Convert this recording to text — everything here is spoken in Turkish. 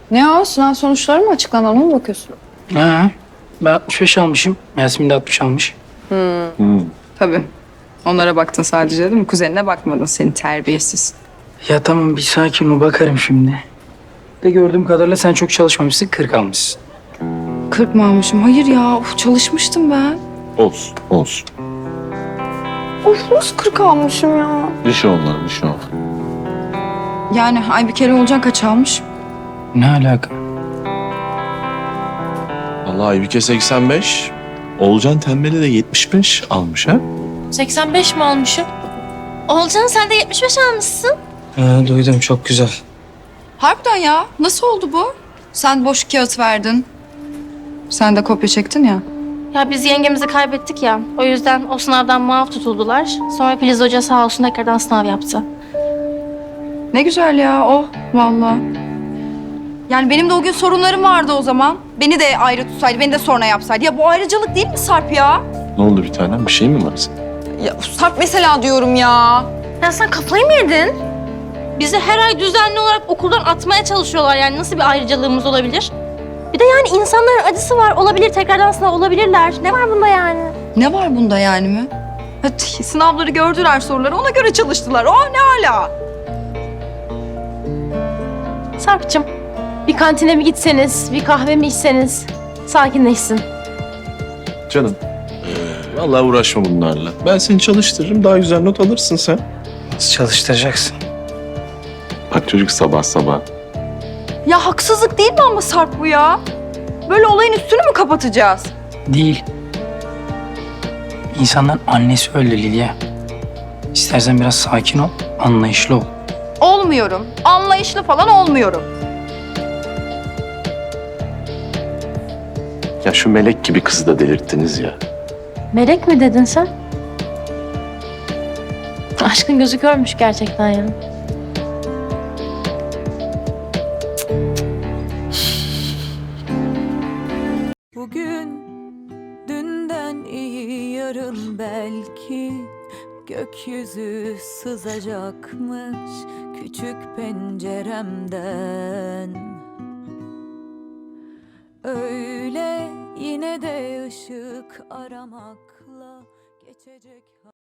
Ne o? Sınav sonuçları mı açıklandı? Ona mı bakıyorsun? Ha, ben 65 almışım. Yasemin de 60 almış. Tabii. Onlara baktın sadece değil mi? Kuzenine bakmadın, seni terbiyesiz. Ya tamam bir sakin ol, bakarım şimdi. De gördüğüm kadarıyla sen çok çalışmamışsın, 40 almışsın. 40 mı almışım? Hayır ya. Of, çalışmıştım ben. Olsun, olsun. Of, nasıl 40 almışım ya? Bir şey olmaz, bir şey olmaz. Yani Aybüke'yle Olcan kaç almış? Ne alaka? Vallahi Aybüke 85, Oğulcan Tembel'i de 75 almış ha? 85 mi almışım? Olcan sen de 75 almışsın. Ha, duydum, çok güzel. Harbiden ya. Nasıl oldu bu? Sen boş kağıt verdin. Sen de kopya çektin ya. Ya biz yengemizi kaybettik ya. O yüzden o sınavdan muaf tutuldular. Sonra Filiz Hoca sağ olsun tekrardan sınav yaptı. Ne güzel ya. Oh, vallahi. Yani benim de o gün sorunlarım vardı o zaman. Beni de ayrı tutsaydı, beni de sonra yapsaydı. Ya bu ayrıcalık değil mi Sarp ya? Ne oldu bir tanem? Bir şey mi var senin? Ya Sarp mesela diyorum ya. Ya sen kafayı mı yedin? Bizi her ay düzenli olarak okuldan atmaya çalışıyorlar. Yani nasıl bir ayrıcalığımız olabilir? Bir de yani insanların acısı var. Olabilir tekrardan sınav olabilirler. Ne var bunda yani? Ne var bunda yani mi? Sınavları gördüler, soruları ona göre çalıştılar. Oh, ne hala? Sarp'cığım bir kantine mi gitseniz, bir kahve mi içseniz sakinleşsin. Canım, vallahi uğraşma bunlarla. Ben seni çalıştırırım, daha güzel not alırsın sen. Nasıl çalıştıracaksın? Bak çocuk sabah sabah. Ya haksızlık değil mi ama Sarp bu ya? Böyle olayın üstünü mü kapatacağız? Değil. İnsanların annesi öyle Lilya. İstersen biraz sakin ol, anlayışlı ol. Olmuyorum. Anlayışlı falan olmuyorum. Ya şu melek gibi kızı da delirttiniz ya. Melek mi dedin sen? Aşkın gözü görmüş gerçekten ya. Bugün dünden iyi yarın belki gökyüzü sızacakmış küçük penceremden. Öyle yine de ışık aramakla geçecek.